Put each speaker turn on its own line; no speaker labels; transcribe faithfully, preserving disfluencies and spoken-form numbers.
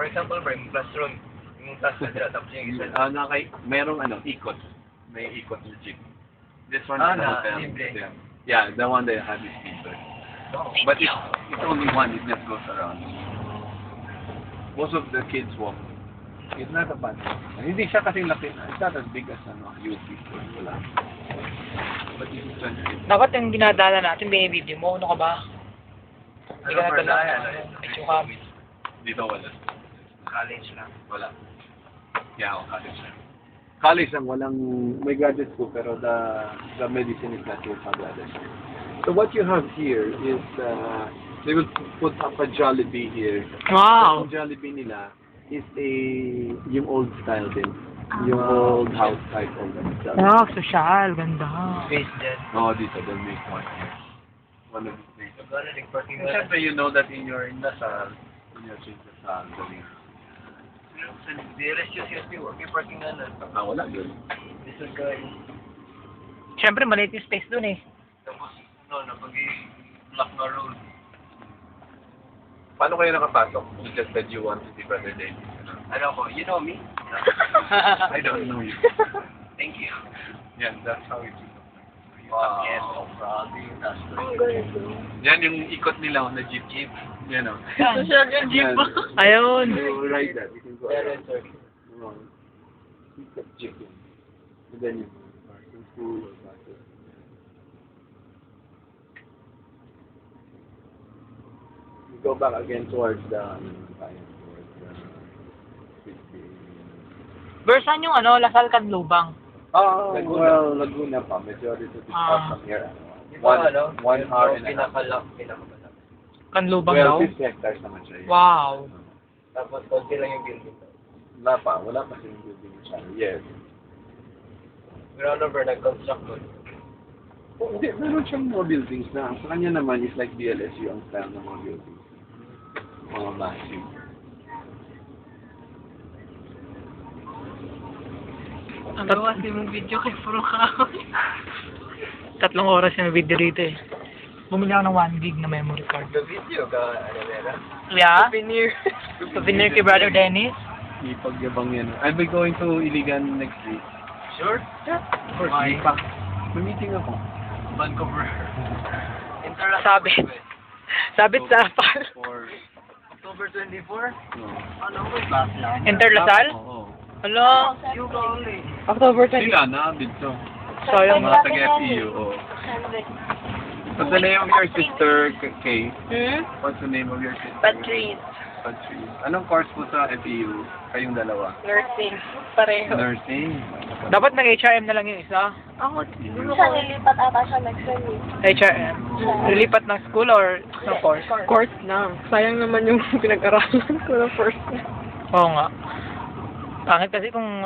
for example, bro, yung classroom, yung task na sila, tapos yung isa.
Ah, na kay, merong ano, ikot. May ikot na jeep. This one
Ah,
is the
na,
hotel.
libre.
Yeah. Yeah, the one that has this feature. But it's, it's only one, it just goes around. Most of the kids walk. It's not a bad one. Hindi siya kasing laki na. It's not as big as ano, U P. Wala. But it's expensive.
Dapat yung dinadala natin, binibideo mo. Ano ka ba? Hindi
Ano,
ka
bro,
natala.
na yan, ano,
Medyo ka.
Dito wala.
college lang.
Wala. Yeah, ako college lang. College lang, walang, may gadgets po, pero the, the medicine is not your gadgets. So what you have here is, uh, they will put up a Jollibee here.
Wow!
Yung Jollibee nila is a, yung old style din. Yung old house type of them.
Wow, social. Ganda.
Space jet.
Oh, dito, they'll make one here. One of these things.
Gano'n, nag-parking
And syempre, you know that in your indasal, in your indasal, galing.
Di rest yung C S P, huwag yung parking na na.
Ah, wala yun.
Lisod ka yun.
Siyempre, maliit yung space dun eh.
Tapos, no, napag i-block na road.
Paano kayo nakapasok? You just said you want to see Brother David.
Ano ko, you know me?
I don't know you.
Thank you.
Yeah, that's how it is.
Wow. Yes, oh, probably. That's
Ang galing.
Yan yung ikot nila na jeep jeep. Yan o.
Social yung jeep.
Ayun.
You ride that. You can go
Yeah,
around.
sorry.
Around. Ikot jeep yun. And then you go to school or back to. You go back again towards the, towards the,
Pero saan yung ano, Lasal Canlubang?
Oh, well, Laguna pa. Majority of the
Ah.
from here.
Di ba,
One,
ano?
one
yung
hour and a half.
Pinakalak, pinakamalak.
Canlubang
Well,
daw?
fifty hectares naman siya.
Wow.
Tapos, konti lang yung building.
Wala pa. Wala pa siyang building siya. Yes.
Ground over, nag-construct doon.
Oh, hindi. Meron siyang mga buildings na. Sa kanya naman is like B L S U ang style ng mga buildings. Mga massive.
Ang gawa si mong video kay Puro Kahoy.
Tatlong oras yung video dito eh. Bumili ako ng one gig na memory card.
The video ka, ano meron?
Yeah?
Souvenir.
Souvenir kay Brother Dennis.
Ipagyabang yan. I'll be going to Iligan next week.
Sure?
Yeah. Of course.
Why?
Hindi pa. May meeting ako.
Vancouver. Interlock.
Sabit. Sabit sa apal.
For...
October twenty-four?
No.
Ano ko, class lang.
Interlasal?
Oo.
Hala.
You ka only.
October twenty.
Sila na, dito.
Sayang.
Mga taga-F P U, oo. What's the name of your sister, K- Kay?
Hmm?
What's the name of your sister?
Patrice.
Patrice. Anong course mo sa F P U? Kayong dalawa?
Nursing. Pareho.
Nursing.
Dapat nag-H R M na lang yung isa.
Ako, siya nilipat ata siya next time eh.
H R M. Lilipat ng school or ng course?
Course lang. Sayang naman yung pinag-aralan ko ng first.
Oo nga. Pangit kasi kung